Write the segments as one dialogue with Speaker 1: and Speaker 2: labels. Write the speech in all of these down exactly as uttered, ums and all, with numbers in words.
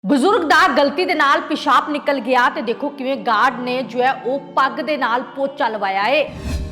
Speaker 1: ਬਜ਼ੁਰਗ ਦਾ ਗਲਤੀ ਦੇ ਨਾਲ ਪਿਸ਼ਾਬ ਨਿਕਲ ਗਿਆ ਤੇ ਦੇਖੋ ਕਿਵੇਂ ਗਾਰਡ ਨੇ ਜੋ ਹੈ ਉਹ ਪੱਗ ਦੇ ਨਾਲ ਪੋਚਾ ਲਵਾਇਆ ਏ।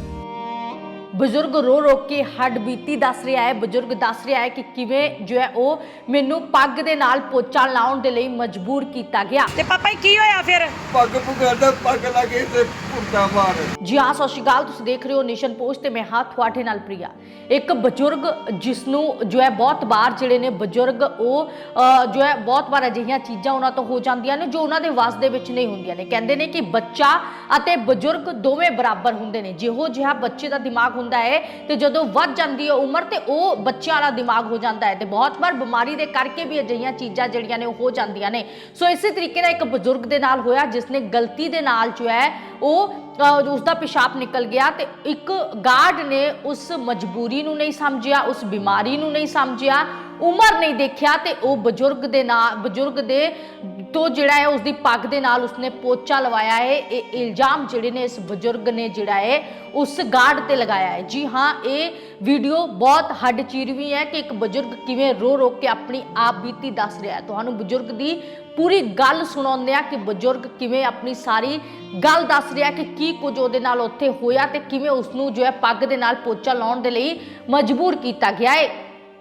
Speaker 1: ਬਜ਼ੁਰਗ रो रो के हड्ड बीती दस रहा है। बजुर्ग दस रहा है कि किवें जो है ਉਹ ਮੈਨੂੰ ਪੱਗ ਦੇ ਨਾਲ ਪੋਚਾ ਲਾਉਣ ਦੇ ਲਈ ਮਜਬੂਰ ਕੀਤਾ ਗਿਆ।
Speaker 2: ਤੇ ਪਾਪਾ ਕੀ ਹੋਇਆ ਫਿਰ?
Speaker 3: ਪੱਗ ਪੁਗਾਦਾ ਪੱਗ ਲਾਗੇ ਤੇ ਪੁੱਟਾ ਮਾਰ।
Speaker 1: ਜੀ ਹਾਂ, ਸਤਿ ਸ਼੍ਰੀ ਅਕਾਲ, ਤੁਸੀਂ ਦੇਖ ਰਹੇ ਹੋ ਨੇਸ਼ਨ ਪੋਸਟ ਤੇ ਮੈਂ ਹਾਂ ਤੁਹਾਡੇ ਨਾਲ ਪ੍ਰਿਆ। ਇੱਕ ਬਜ਼ੁਰਗ ਜਿਸ ਨੂੰ ਜੋ ਹੈ ਬਹੁਤ ਵਾਰ ਜਿਹੜੇ ਨੇ ਬਜ਼ੁਰਗ ਉਹ ਜੋ ਹੈ ਬਹੁਤ ਵਾਰ ਅਜਿਹੀਆਂ ਚੀਜ਼ਾਂ ਉਹਨਾਂ ਤੋਂ ਹੋ ਜਾਂਦੀਆਂ ਨੇ ਜੋ ਉਹਨਾਂ ਦੇ ਵਾਸ ਦੇ ਵਿੱਚ ਨਹੀਂ ਹੁੰਦੀਆਂ ਨੇ। ਕਹਿੰਦੇ ਨੇ ਕਿ ਬੱਚਾ ਅਤੇ ਬਜ਼ੁਰਗ ਦੋਵੇਂ ਬਰਾਬਰ ਹੁੰਦੇ ਨੇ। ਜਿਹੋ ਜਿਹਾ ਬੱਚੇ ਦਾ ਦਿਮਾਗ ਹੁੰਦਾ ਹੈ ਤੇ ਜਦੋਂ ਵੱਧ ਜਾਂਦੀ ਹੈ ਉਮਰ ਤੇ ਉਹ ਬੱਚਿਆਂ ਵਾਲਾ ਦਿਮਾਗ ਹੋ ਜਾਂਦਾ ਹੈ ਤੇ ਬਹੁਤ ਵਾਰ ਬਿਮਾਰੀ ਦੇ ਕਰਕੇ ਵੀ ਅਜਿਹੀਆਂ ਚੀਜ਼ਾਂ ਜਿਹੜੀਆਂ ਨੇ ਉਹ ਹੋ ਜਾਂਦੀਆਂ ਨੇ। ਸੋ ਇਸੇ ਤਰੀਕੇ ਨਾਲ ਇੱਕ ਬਜ਼ੁਰਗ ਦੇ ਨਾਲ ਹੋਇਆ ਜਿਸ ਨੇ ਗਲਤੀ ਦੇ ਨਾਲ ਜੋ ਹੈ ਉਹ ਉਸਦਾ ਪਿਸ਼ਾਬ ਨਿਕਲ ਗਿਆ ਤੇ ਇੱਕ ਗਾਰਡ ਨੇ ਉਸ ਮਜਬੂਰੀ ਨੂੰ ਨਹੀਂ ਸਮਝਿਆ, ਉਸ ਬਿਮਾਰੀ ਨੂੰ ਨਹੀਂ ਸਮਝਿਆ, ਉਮਰ ਨਹੀਂ ਦੇਖਿਆ ਤੇ ਉਹ ਬਜ਼ੁਰਗ ਦੇ ਨਾਲ ਬਜ਼ੁਰਗ ਦੇ ਤੋਂ ਜਿਹੜਾ ਹੈ ਉਸਦੀ ਪੱਗ ਦੇ ਨਾਲ ਉਸਨੇ ਪੋਚਾ ਲਵਾਇਆ ਹੈ। ਇਹ ਇਲਜ਼ਾਮ ਜਿਹੜੇ ਨੇ ਇਸ ਬਜ਼ੁਰਗ ਨੇ ਜਿਹੜਾ ਹੈ ਉਸ ਗਾਰਡ ਤੇ ਲਗਾਇਆ ਹੈ। ਜੀ ਹਾਂ, ਇਹ ਵੀਡੀਓ ਬਹੁਤ ਹੱਡ ਚੀਰਵੀਂ ਹੈ ਕਿ ਇੱਕ ਬਜ਼ੁਰਗ ਕਿਵੇਂ ਰੋ ਰੋ ਕੇ ਆਪਣੀ ਆਪ ਬੀਤੀ ਦੱਸ ਰਿਹਾ ਹੈ। ਤੁਹਾਨੂੰ ਬਜ਼ੁਰਗ ਦੀ ਪੂਰੀ ਗੱਲ ਸੁਣਾਉਂਦੇ ਆ ਕਿ ਬਜ਼ੁਰਗ ਕਿਵੇਂ ਆਪਣੀ ਸਾਰੀ ਗੱਲ ਦੱਸ ਰਿਹਾ ਕਿ ਕੀ ਕੁਝ ਉਹਦੇ ਨਾਲ ਉੱਥੇ ਹੋਇਆ ਤੇ ਕਿਵੇਂ ਉਸਨੂੰ ਜੋ ਹੈ ਪੱਗ ਦੇ ਨਾਲ ਪੋਚਾ ਲਾਉਣ ਦੇ ਲਈ ਮਜਬੂਰ ਕੀਤਾ ਗਿਆ ਹੈ।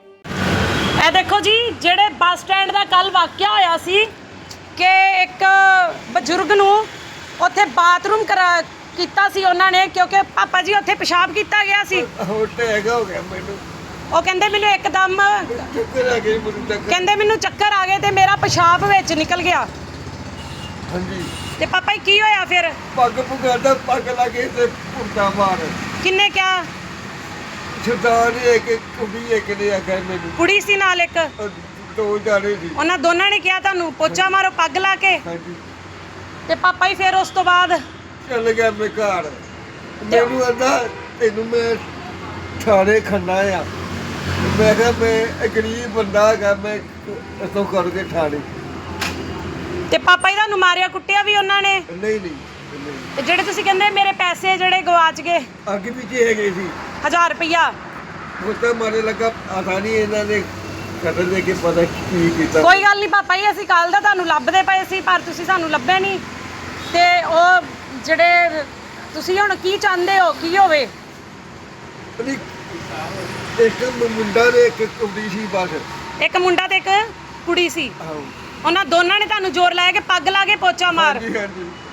Speaker 2: ਇਹ ਦੇਖੋ ਜੀ, ਜਿਹੜੇ ਬੱਸ ਸਟੈਂਡ ਦਾ ਕੱਲ ਵਾਕਿਆ ਹੋਇਆ ਸੀ ਕਿ ਇੱਕ ਬਜ਼ੁਰਗ ਨੂੰ ਉੱਥੇ ਬਾਥਰੂਮ ਕਰਾ ਕੀਤਾ ਸੀ ਉਹਨਾਂ ਨੇ ਕਿਉਂਕਿ ਪਾਪਾ ਜੀ ਉੱਥੇ ਪਿਸ਼ਾਬ ਕੀਤਾ ਗਿਆ ਸੀ।
Speaker 3: ਹੋਰ ਟੈਗ ਹੋ ਗਿਆ ਮੈਨੂੰ।
Speaker 2: ਉਹ ਕਹਿੰਦੇ ਮੈਨੂੰ ਇੱਕਦਮ
Speaker 3: ਚੱਕਰ ਆ ਗਈ ਮੈਨੂੰ ਚੱਕਰ।
Speaker 2: ਕਹਿੰਦੇ ਮੈਨੂੰ ਚੱਕਰ ਆ ਗਏ ਤੇ ਮੇਰਾ ਪਿਸ਼ਾਬ ਵਿੱਚ ਨਿਕਲ ਗਿਆ।
Speaker 3: ਹਾਂਜੀ।
Speaker 2: ਤੇ ਪਾਪਾ ਜੀ ਕੀ ਹੋਇਆ ਫਿਰ?
Speaker 3: ਪੱਗ ਪੁਗਾਦਾ ਪੱਗ ਲਾਗੇ ਤੇ ਪੁੱਟਾ ਮਾਰ।
Speaker 2: ਕਿੰਨੇ ਕਿਹਾ?
Speaker 3: ਸਰਦਾਰ ਇੱਕ ਕੁੜੀ ਇੱਕ ਨੇ ਆਖਿਆ ਮੈਨੂੰ।
Speaker 2: ਕੁੜੀ ਸੀ ਨਾਲ ਇੱਕ?
Speaker 3: ਦੋ ਜਾਣੇ ਸੀ।
Speaker 2: ਉਹਨਾਂ ਦੋਨਾਂ ਨੇ ਕਿਹਾ ਤੁਹਾਨੂੰ ਪੋਚਾ ਮਾਰੋ ਪੱਗ ਲਾ ਕੇ?
Speaker 3: ਹਾਂਜੀ।
Speaker 2: ਤੇ ਪਾਪਾ ਜੀ ਫਿਰ ਉਸ ਤੋਂ ਬਾਅਦ
Speaker 3: ਚੱਲ ਗਿਆ ਮੈਂ ਘਰ। ਮੈਨੂੰ ਕਹਿੰਦਾ ਤੈਨੂੰ ਮੈਂ ਥਾਣੇ ਖੰਨਾ ਆ। ਮੈਂ ਕਿਹਾ ਮੈਂ ਗਰੀਬ ਬੰਦਾ ਹੈਗਾ, ਮੈਂ ਇਥੋਂ ਕਰਕੇ ਥਾਣੇ।
Speaker 2: ਤੇ ਪਾਪਾ ਜੀ ਤੁਹਾਨੂੰ ਮਾਰਿਆ ਕੁੱਟਿਆ ਵੀ ਉਹਨਾਂ ਨੇ?
Speaker 3: ਨਹੀਂ ਨਹੀਂ
Speaker 2: ਤੇ ਜਿਹੜੇ ਤੁਸੀਂ ਕਹਿੰਦੇ ਮੇਰੇ ਪੈਸੇ ਜਿਹੜੇ ਗਵਾਚ ਗਏ
Speaker 3: ਅੱਗੇ ਪਿੱਛੇ ਹੈਗੇ ਸੀ
Speaker 2: ਹਜ਼ਾਰ ਰੁਪਈਆ
Speaker 3: ਉਹ ਤਾਂ ਮਾਰੇ ਲੱਗਾ ਆਸਾਨੀ ਇਹਨਾਂ ਨੇ ਕਦਰ ਦੇ ਕੇ ਪਤਾ ਕੀ ਕੀਤਾ।
Speaker 2: ਕੋਈ ਗੱਲ ਨਹੀਂ ਪਾਪਾ ਜੀ, ਅਸੀਂ ਕੱਲ ਦਾ ਤੁਹਾਨੂੰ ਲੱਭਦੇ ਪਏ ਸੀ ਪਰ ਤੁਸੀਂ ਸਾਨੂੰ ਲੱਭੇ ਨਹੀਂ। ਤੇ ਉਹ ਜਿਹੜੇ ਤੁਸੀਂ ਹੁਣ ਕੀ ਚਾਹੁੰਦੇ ਹੋ ਕੀ ਹੋਵੇ?
Speaker 3: ਇੱਕ ਮੁੰਡਾ ਤੇ ਇੱਕ ਕੁੜੀ ਸੀ ਬਸ।
Speaker 2: ਇੱਕ ਮੁੰਡਾ ਤੇ ਇੱਕ ਕੁੜੀ ਸੀ।
Speaker 3: ਆਹੋ।
Speaker 2: ਉਹਨਾਂ ਦੋਨਾਂ ਨੇ ਤੁਹਾਨੂੰ ਜ਼ੋਰ ਲਾਇਆ ਕਿ ਪੱਗ ਲਾ ਕੇ ਪੋਚਾ ਮਾਰ।
Speaker 3: ਹਾਂਜੀ ਹਾਂਜੀ।